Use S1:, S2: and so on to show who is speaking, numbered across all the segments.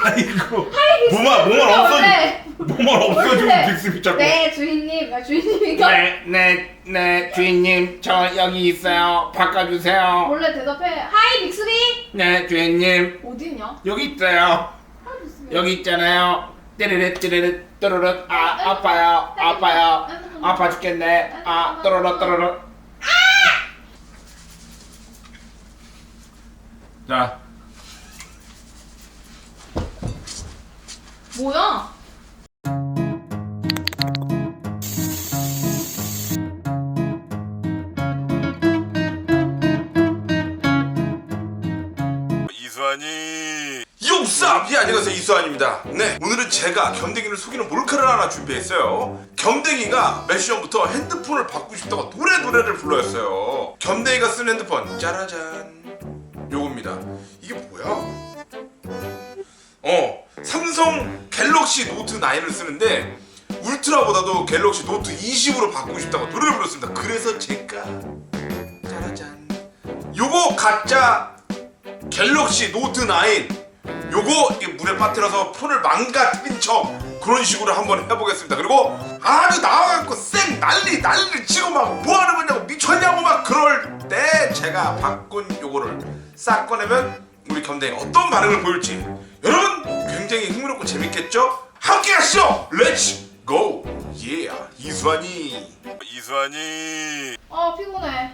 S1: 아이고.
S2: 하이
S1: 몸만 없어지고 빅스비 자꾸.
S2: 네 주인님, 주인님이가
S1: 네 주인님 저 여기 있어요. 바꿔주세요.
S2: 원래 대답해. 하이 빅스비.
S1: 네 주인님
S2: 어디 있냐?
S1: 여기 있어요.
S2: 하이 빅스비.
S1: 여기 있잖아요. 띠르르 또르르 아파요. 아파 죽겠네. 또르르 자
S2: 뭐야?
S3: 이수환이 용쌉! 예, 안녕하세요, 이수환입니다. 네, 오늘은 제가 겸댕이를 속이는 몰카를 하나 준비했어요. 겸댕이가 몇 시간부터 핸드폰을 바꾸고 싶다고 노래를 불러였어요. 겸댕이가 쓴 핸드폰 짜라잔 요겁니다. 이게 뭐야? 삼성 갤럭시 노트 9을 쓰는데 울트라보다도 갤럭시 노트 20으로 바꾸고 싶다고 노래를 불렀습니다. 그래서 제가 짜라잔 요거 가짜 갤럭시 노트 9 요거 이게 물에 빠뜨려서 폰을 망가뜨린 척 그런 식으로 한번 해보겠습니다. 그리고 아주 나와갖고 쌩 난리 치고 막 뭐하는 거냐고 미쳤냐고 막 그럴 때 제가 바꾼 요거를 싹 꺼내면 우리 겸댕이가 어떤 반응을 보일지 여러분 굉장히 흥미롭고 재밌겠죠? 함께 가시죠! 렛츠 고! 예! 이수환이
S2: 아 피곤해.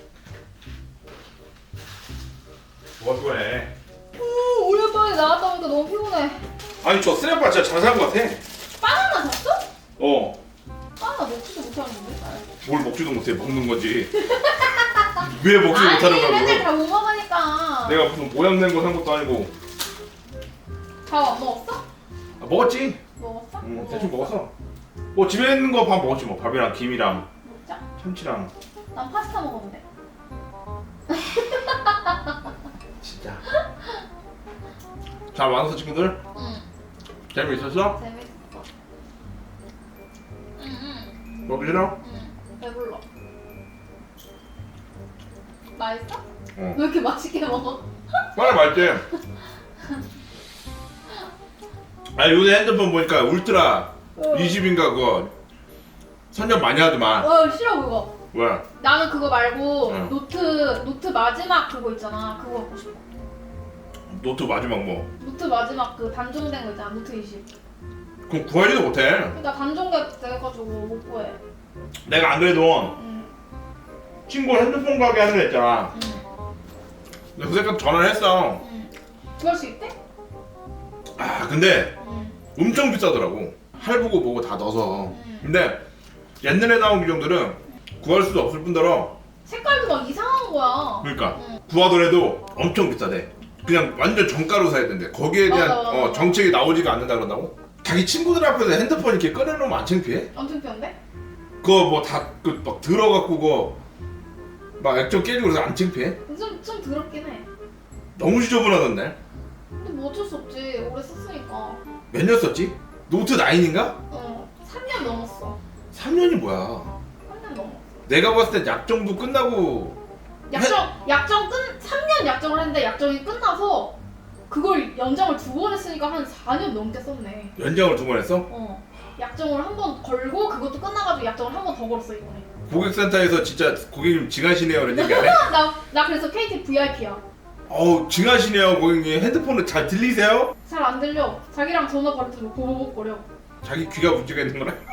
S1: 뭐가 그거네.
S2: 오랜만에 나갔다 오니까 너무 피곤해.
S1: 아니 저 쓰레빠 진짜 잘 산 것 같아.
S2: 바나나 샀어? 바나나 먹지도 못하는데?
S1: 뭘 먹지도 못해. 먹는 거지. 왜 먹지도 못하는 거야
S2: 맨날
S1: 그걸.
S2: 다 못 먹으니까.
S1: 내가 무슨 모양 낸 거 산 것도 아니고.
S2: 밥 안 먹었어?
S1: 먹었지.
S2: 먹었어?
S1: 대충 먹었어. 뭐 집에 있는 거 밥 먹었지 뭐. 밥이랑 김이랑
S2: 먹자.
S1: 참치랑.
S2: 난 파스타 먹었는데.
S1: 진짜. 잘 왔어 친구들?
S2: 응.
S1: 재미있었어?
S2: 재밌어. 응.
S1: 먹기 싫어?
S2: 응. 배불러. 맛있어?
S1: 응.
S2: 왜 이렇게 맛있게 먹어?
S1: 빨리 맛있지? 아 요새 핸드폰 보니까 울트라 20인가 그거 선전 많이 하더만.
S2: 싫어 그거.
S1: 왜?
S2: 나는 그거 말고
S1: 응.
S2: 노트 마지막 그거 있잖아. 그거 갖고 싶어.
S1: 노트 마지막 뭐?
S2: 노트 마지막 그 단종된 거 있잖아. 노트 20.
S1: 그럼 구하지도 못해.
S2: 그러니까 단종돼가지고 못 구해.
S1: 내가 안 그래도
S2: 응.
S1: 친구 핸드폰 가게 하는 애 있잖아.
S2: 응.
S1: 근데 그 새끼 전화를 했어.
S2: 응. 구할 수 있대?
S1: 아 근데
S2: 응.
S1: 엄청 비싸더라고. 할부고 뭐고 다 넣어서.
S2: 응.
S1: 근데 옛날에 나온 기종들은 구할 수도 없을 뿐더러
S2: 색깔도 막 이상한 거야.
S1: 그러니까
S2: 응.
S1: 구하더라도 엄청 비싸대. 그냥 완전 정가로 사야 된대. 거기에 대한
S2: 맞아.
S1: 정책이 나오지가 않는다 그런다고? 자기 친구들 앞에서 핸드폰 이렇게 꺼내놓으면 안 창피해?
S2: 엄청 편데?
S1: 그거 뭐 다 막 들어갖고 그거 막 액정 깨지고 그래서 안 창피해?
S2: 좀 더럽긴 해.
S1: 너무 지저분하던데?
S2: 근데 뭐 어쩔 수 없지. 오래 썼으니까.
S1: 몇 년 썼지? 노트 9인가?
S2: 3년 넘었어.
S1: 3년이 뭐야?
S2: 3년 넘었어.
S1: 내가 봤을 때 약정도 끝나고
S2: 3년 약정을 했는데 약정이 끝나서 그걸 연장을 2번 했으니까 한 4년 넘게 썼네.
S1: 연장을 2번 했어?
S2: 약정을 한 번 걸고 그것도 끝나가지고 약정을 한 번 더 걸었어 이번에.
S1: 고객센터에서 진짜 고객님 징하시네요 이런 얘기 안 해?
S2: 나 그래서 KT VIP야.
S1: 어우 징하시네요 고객님. 핸드폰을 잘 들리세요?
S2: 잘 안 들려. 자기랑 전화 바로 들고 보보복거려.
S1: 자기 귀가 문제가 있는 거라?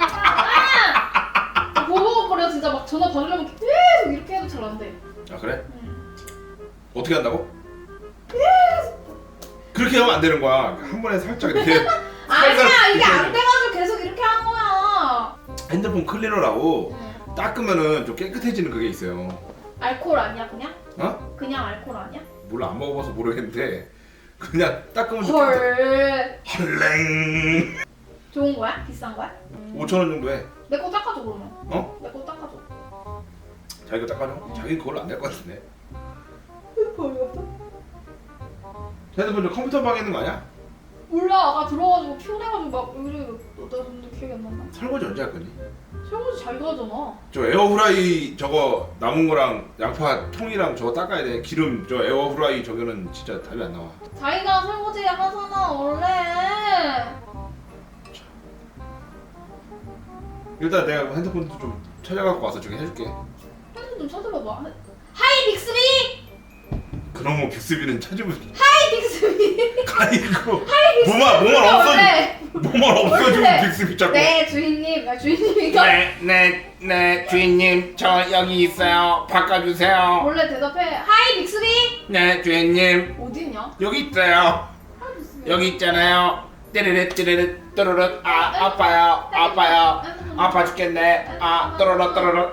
S2: 보보복거려. 진짜 막 전화 받으려면 계속 이렇게 해도 잘 안 돼.
S1: 아 그래?
S2: 응.
S1: 어떻게 한다고? 그렇게 하면 안 되는 거야. 한 번에 살짝 이렇게
S2: 아니야 이게 안 돼가지고 계속 이렇게 한 거야.
S1: 핸드폰 클리너라고
S2: 응.
S1: 닦으면은 좀 깨끗해지는 그게 있어요.
S2: 알코올 아니야 그냥?
S1: 어?
S2: 그냥 알코올 아니야?
S1: 몰라 안 먹어봐서 모르겠는데 그냥 닦으면 좀
S2: 헐.
S1: 헐랭
S2: 좋은 거야? 비싼 거야?
S1: 5,000원 정도 해.
S2: 내 거 닦아줘 그러면.
S1: 어?
S2: 내 거 닦아줘.
S1: 자기가 닦아줘? 자기는 그걸로 안 될 것 같은데.
S2: 보였어?
S1: 핸드폰 저 컴퓨터 방에 있는 거 아니야?
S2: 몰라. 아까 들어가지고 피곤해가지고 막 여기저기 어디다 뒀는데 기억이 안 난다.
S1: 설거지 언제 할 거니?
S2: 설거지 자기가 하잖아.
S1: 저 에어프라이 저거 남은 거랑 양파 통이랑 저거 닦아야 돼. 기름 저 에어프라이 저거는 진짜 답이 안 나와.
S2: 자기가 설거지 하잖아 원래.
S1: 일단 내가 핸드폰도 좀 찾아갖고 와서 저기 해줄게.
S2: 핸드폰 좀 찾아봐봐. 하이 빅스비.
S1: 그런 거 빅스비는 찾으면
S2: 하이 빅스비.
S1: 아이고
S2: 하이 빅스비.
S1: 뭐만 없어
S2: 원래.
S1: 뭐만 없어지고
S2: 원래.
S1: 빅스비 자꾸.
S2: 네 주인님. 야 주인님 이거.
S4: 네, 주인님, 저 여기 있어요. 바꿔주세요.
S2: 원래 대답해. 하이 빅스비.
S4: 네, 주인님,
S2: 어디 있냐?
S4: 여기 있어요.
S2: 하이 빅스비.
S4: 여기 있잖아요. 띠르르 띠르르 또르르 아파요. 아파 죽겠네. 또르르 또르르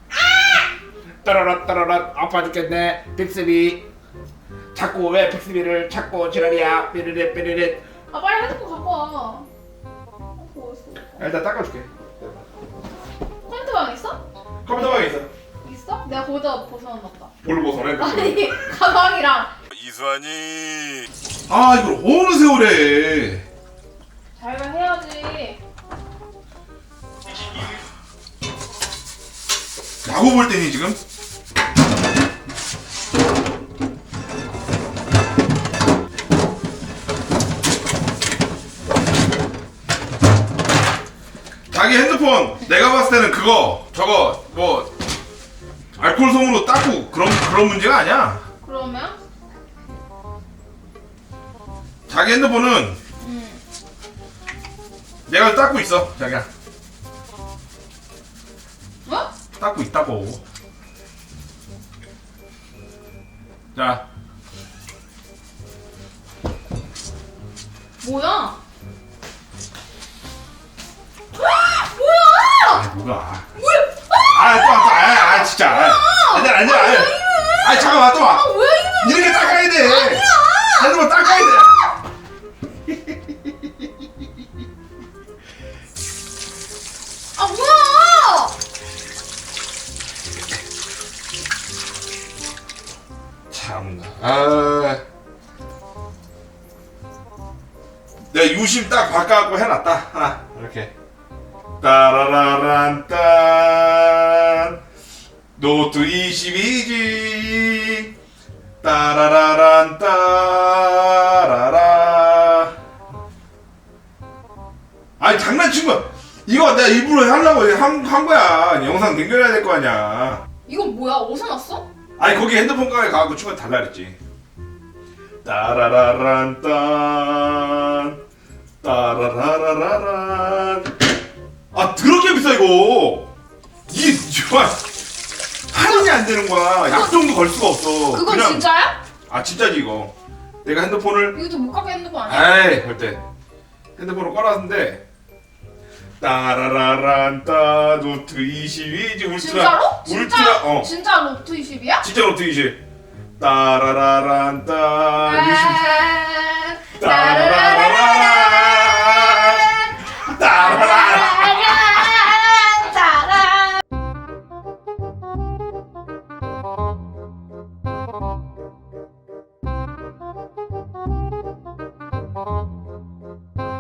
S4: 또르르 또르르 아파 죽겠네. 빅스비, 자꾸 왜 빅스비를 찾고 지랄이야. 삐르르 삐르르.
S2: 아 빨리 핸드폰 갖고 와. 갖고 왔어.
S1: 일단 닦아줄게.
S2: 컴퓨터 방에 있어?
S1: 컴퓨터 방에 있어.
S2: 있어? 내가 거기다 벗어놨다.
S1: 뭘로 벗어내?
S2: 아니 가방이랑.
S3: 이수환이
S1: 아 이걸 어느 세월에.
S2: 자기가 해야지.
S1: 야구 볼 때니 지금? 자기 핸드폰 내가 봤을 때는 그거 저거 뭐 알코올 솜으로 닦고 그런 문제가 아니야.
S2: 그러면?
S1: 자기 핸드폰은 내가 닦고 있어 자기야.
S2: 어?
S1: 닦고 있다고. 자
S2: 뭐야?
S1: 뭐가? 아 진짜. 아니야. 아 잠깐만 또 와.
S2: 뭐야 이거?
S1: 이렇게 닦아야 돼. 핸드폰 닦아야 돼.
S2: 아 뭐야?
S1: 참나. 내가 유심 딱 바꿔갖고 해놨다 하나 이렇게. 따라라란 딴 노트 22지 따라라란 따라라. 아니 장난친 거야. 이거 내가 일부러 하려고 한 거야. 영상 연결해야 될 거 아니야.
S2: 이거 뭐야? 어디서 났어?
S1: 아니 거기 핸드폰 가게 가고 친구한테 달라 그랬지. 따라라란 딴 따라라라란. 아 더럽게 비싸 이거. 이게 정말 할인이 안 되는 거야. 약정도 걸 수가 없어.
S2: 그건
S1: 그냥,
S2: 진짜야?
S1: 아 진짜지 이거. 내가 핸드폰을
S2: 이거 좀 못 갖게 핸드폰 아니야?
S1: 에이 절대 핸드폰을 꺼놨는데 따라라란 따 노트 22지 울트라.
S2: 진짜로?
S1: 울트라
S2: 진짜 로트 20이야?
S1: 진짜 노트 20 따라라란 따 20
S2: 따라라란